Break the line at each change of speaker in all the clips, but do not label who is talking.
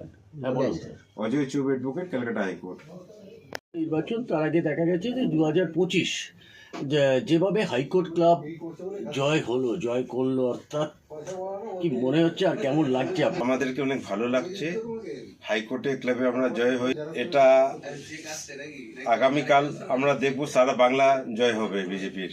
হ্যাঁ বলুন স্যার।
অজয় চুব অ্যাডভোকেট, ক্যালকাটা হাইকোর্ট।
নির্বাচন তার আগে দেখা গেছে যে 2025 যেভাবে হাইকোর্ট ক্লাব জয় করলো, অর্থাৎ কি মনে হচ্ছে আর কেমন লাগছে আপনার?
আমাদেরকে অনেক ভালো লাগছে, হাইকোর্টে ক্লাবে আমরা জয় হই। এটা আগামীকাল আমরা দেখব সারা বাংলা জয় হবে বিজেপির।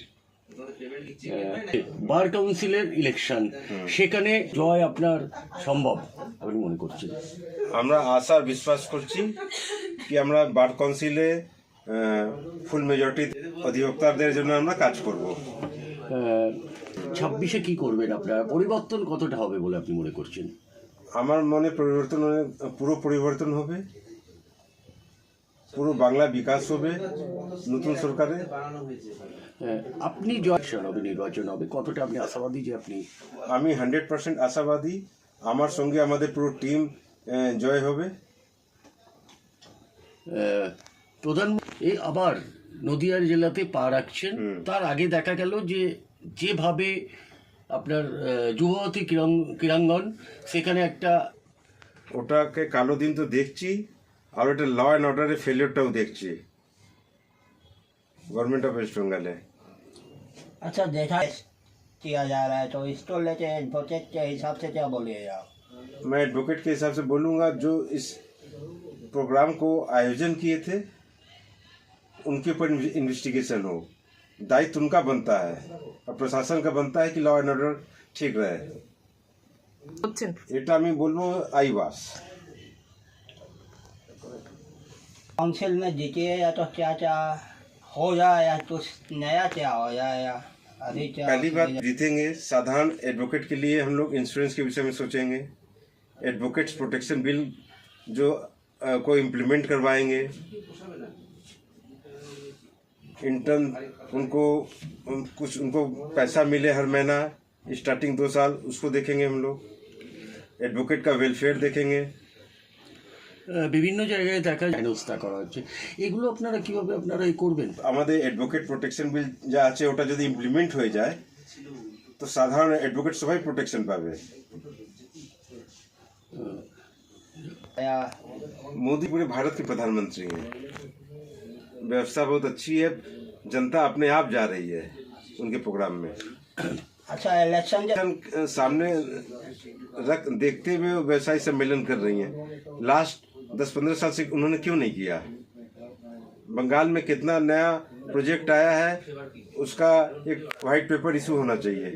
বার কাউন্সিলের ইলেকশন, সেখানে জয় আপনার সম্ভব আপনি মনে করছেন?
আমরা আশা আর বিশ্বাস করছি কি আমরা বার কাউন্সিলে ফুল মেজরিটি অধিবক্তাদের জন্য আমরা কাজ করব।
26-এ কি করবেন আপনারা? পরিবর্তন কতটা হবে বলে আপনি মনে করছেন?
আমার মনে পুরো পরিবর্তন হবে, পুরো বাংলা বিকাশ হবে নতুন সরকারে।
আপনি জয় হবে, নির্বাচন হবে, কতটা আপনি আশাবাদী যে আপনি?
আমি 100% আশাবাদী, আমার সঙ্গে আমাদের পুরো টিম জয় হবে।
প্রধানমন্ত্রী আবার নদিয়া জেলাতে পা রাখছেন, তার আগে দেখা গেল যে যেভাবে আপনার যুবতী ক্রীড়াঙ্গন, সেখানে একটা
ওটাকে কালো দিন তো দেখছি, আর ওটা ল অ্যান্ড অর্ডারের ফেলিওরটাও দেখছি गवर्नमेंट ऑफ वेस्ट बंगाल है।
अच्छा, देखा किया जा रहा है तो इसको लेके एडवोकेट के हिसाब से क्या बोलिएगा?
मैं एडवोकेट के हिसाब से बोलूँगा, जो इस प्रोग्राम को आयोजन किए थे उनके ऊपर इन्वेस्टिगेशन हो। दायित्व उनका बनता है और प्रशासन का बनता है कि लॉ एंड ऑर्डर ठीक रहे। এটা আমি বলবো আইবাস।
काउंसिल में जीतिए या तो क्या क्या हो जाए या कुछ नया क्या हो जाए या अभी क्या?
पहली बात, जीतेंगे साधारण एडवोकेट के लिए हम लोग इंश्योरेंस के विषय में सोचेंगे। एडवोकेट्स प्रोटेक्शन बिल जो को इम्प्लीमेंट करवाएंगे। इंटर्न उनको पैसा मिले हर महीना स्टार्टिंग 2 साल, उसको देखेंगे हम लोग। एडवोकेट का वेलफेयर देखेंगे।
বিভিন্ন জায়গায় দেখা ব্যবস্থা করা হচ্ছে, এগুলো আপনারা কিভাবে আপনারা করবেন?
আমাদের এডভোকেট প্রোটেকশন বিল যা আছে ওটা যদি ইমপ্লিমেন্ট হয়ে যায় তো সাধারণ এডভোকেট সবাই প্রোটেকশন পাবে। मोदी पूरे भारत के प्रधानमंत्री हैं, व्यवस्था बहुत अच्छी है, जनता अपने आप जा रही है उनके प्रोग्राम में।
अच्छा, इलेक्शन
सामने देखते हुए व्यवसायी सम्मेलन कर रही हैं। लास्ट 10-15 साल से उन्होंने क्यों नहीं किया? बंगाल में कितना नया प्रोजेक्ट आया है, उसका एक व्हाइट पेपर इशू होना चाहिए।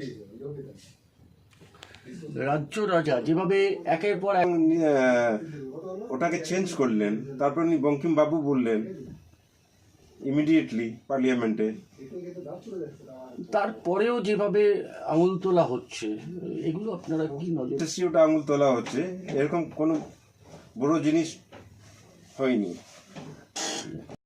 রাজ্য রাজা যেভাবে একের পর এক
ওটাকে চেঞ্জ করলেন, তারপর উনি বঙ্কিম বাবু বললেন ইমিডিয়েটলি পার্লামেন্টে।
তারপরেও যেভাবে আঙুল তোলা হচ্ছে, এগুলো আপনারা কি নজর?
ওটা আঙুল তোলা হচ্ছে, এরকম কোনো বড় জিনিস হয়নি।